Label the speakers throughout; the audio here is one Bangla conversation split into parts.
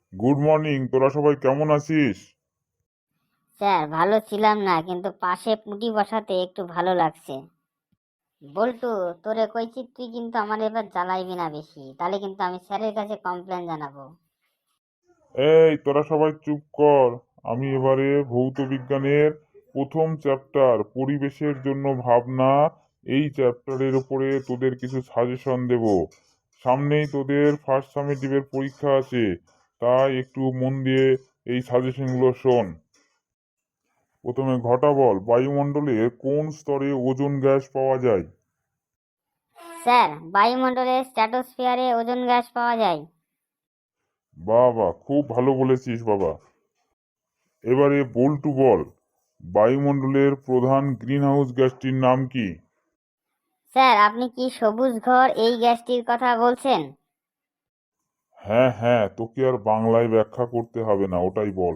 Speaker 1: গুড মর্নিং, তোরা সবাই কেমন আছিস?
Speaker 2: স্যার ভালো ছিলাম না, কিন্তু পাশে পুঁটি বসাতে একটু ভালো লাগছে। বল্টু, তোরে কইছি তুই কিন্তু আমার এবার জ্বালাইবি না বেশি, তাহলে কিন্তু আমি স্যারের কাছে কমপ্লেন জানাবো।
Speaker 1: এই তোরা সবাই চুপ কর। আমি এবারে ভৌত বিজ্ঞানের প্রথম চ্যাপ্টার পরিবেশের জন্য ভাবনা, এই চ্যাপ্টারের উপরে তোদের কিছু সাজেশন দেব। সামনেই তোদের ফার্স্ট সামেটিভের পরীক্ষা আছে, তাই একটু মন দিয়ে এই সাজেশনগুলো শোন। প্রথমে ঘটা বল, বায়ুমণ্ডলে কোন স্তরে ওজোন গ্যাস পাওয়া যায়?
Speaker 2: স্যার, বায়ুমণ্ডলের স্ট্র্যাটোস্ফিয়ারে ওজোন গ্যাস পাওয়া যায়।
Speaker 1: বাহ বাহ, খুব ভালো বলেছিস বাবা। এবারে বল্টু বল, বায়ুমণ্ডলের প্রধান গ্রিনহাউস গ্যাসটির নাম কি?
Speaker 2: স্যার, আপনি কি সবুজ ঘর এই গ্যাসটির কথা বলছেন?
Speaker 1: হ্যাঁ হ্যাঁ, তোকে আর বাংলায় ব্যাখ্যা করতে হবে না, ওটাই বল।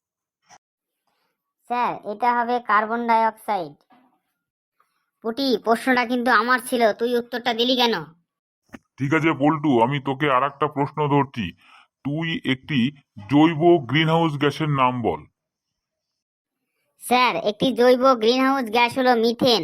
Speaker 2: স্যার, এটা হবে কার্বন ডাই অক্সাইড। পুটি, প্রশ্নটা কিন্তু আমার ছিল, তুই উত্তরটা দিলি কেন?
Speaker 1: ঠিক আছে বল্টু, আমি তোকে আর একটা প্রশ্ন ধরছি। তুই একটি জৈব গ্রিনহাউস গ্যাসের নাম বল।
Speaker 2: স্যার, একটি জৈব গ্রিনহাউস গ্যাস হলো মিথেন।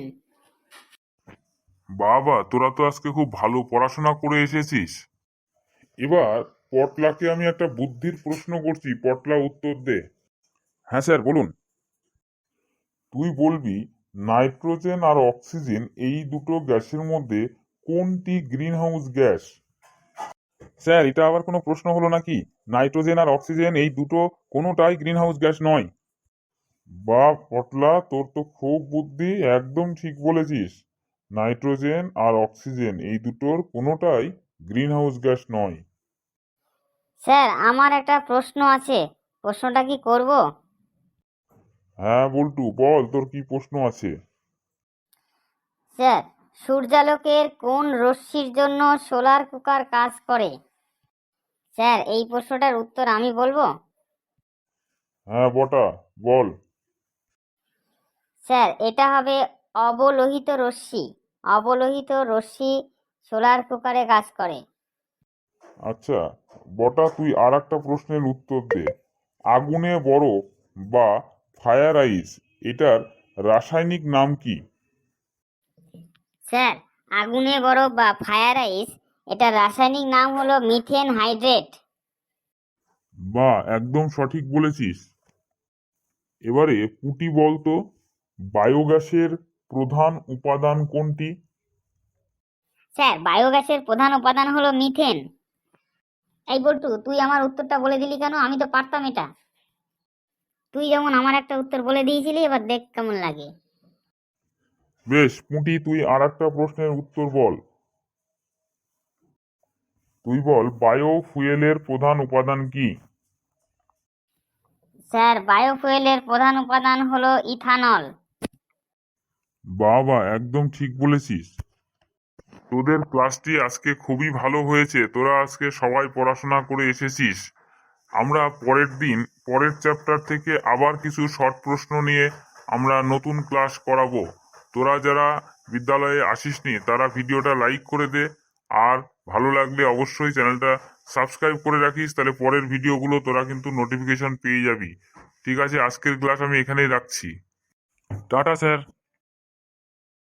Speaker 1: বাবা, তোরা তো আজকে খুব ভালো পড়াশোনা করে এসেছিস। এবার পটলাকে আমি একটা বুদ্ধির প্রশ্ন করছি, পটলা উত্তর দে। হ্যাঁ স্যার, বলুন। তুই বলবি, নাইট্রোজেন আর অক্সিজেন এই দুটো গ্যাসের মধ্যে কোনটি গ্রিনহাউস গ্যাস? স্যার, এটা আবার কোনো প্রশ্ন হলো নাকি? নাইট্রোজেন আর অক্সিজেন এই দুটো কোনোটাই গ্রিনহাউস গ্যাস নয়। বাহ পটলা, তোর তো খুব বুদ্ধি, একদম ঠিক বলেছিস। নাইট্রোজেন আর অক্সিজেন এই দুটোর কোনোটাই গ্রিনহাউস গ্যাস নয়।
Speaker 2: স্যার, আমার একটা প্রশ্ন আছে, প্রশ্নটা কি করব?
Speaker 1: হ্যাঁ বল্টু বল, তোর কি প্রশ্ন আছে?
Speaker 2: স্যার, সূর্যালোকের কোন রশ্মির জন্য সোলার কুকার কাজ করে? স্যার, এই প্রশ্নটার উত্তর আমি বলবো।
Speaker 1: হ্যাঁ বটা, বল।
Speaker 2: স্যার, এটা হবে অবলোহিত রশ্মি। অবলোহিত রশ্মি সোলার কুকারে কাজ করে।
Speaker 1: আচ্ছা বটা, তুই আর একটা প্রশ্নের উত্তর দে। আগুনে বরফ বা ফায়ার আইস, এটার রাসায়নিক নাম কি?
Speaker 2: স্যার, আগুনে বরফ বা ফায়ার আইস, এটা রাসায়নিক নাম হলো মিথেন হাইড্রেট।
Speaker 1: বা একদম সঠিক বলেছিস। এবারে পুটি বলতো, বায়োগ্যাসের প্রধান উপাদান কোনটি?
Speaker 2: স্যার, বায়োগ্যাসের প্রধান উপাদান হলো মিথেন। এই বল্টু, তুই আমার উত্তরটা বলে দিলি কেন? আমি তো পারতাম এটা। তুই যেমন আমার একটা উত্তর বলে দিয়েছিলি, এবার দেখ কেমন লাগে।
Speaker 1: বেশ পুটি, তুই আর একটা প্রশ্নের উত্তর বল। তুই বল, বায়ো ফুয়েলের প্রধান উপাদান কি?
Speaker 2: স্যার, বায়োফুয়েলের প্রধান উপাদান হলো ইথানল।
Speaker 1: বাবা একদম ঠিক বলেছিস। তোদের ক্লাসটি আজকে খুবই ভালো হয়েছে, তোরা আজকে সবাই পড়াশোনা করে এসেছিস। আমরা পরের দিন পরের চ্যাপ্টার থেকে আবার কিছু শর্ট প্রশ্ন নিয়ে আমরা নতুন ক্লাস করাবো। তোরা যারা বিদ্যালয়ে আসিসনি তারা ভিডিওটা লাইক করে দে, আর ভালো লাগলে অবশ্যই চ্যানেলটা সাবস্ক্রাইব করে রাখিস, তাহলে পরের ভিডিওগুলো তোরা কিন্তু নোটিফিকেশন পেয়ে যাবি। ঠিক আছে, আজকের ক্লাস আমি এখানেই রাখছি। Tata sir.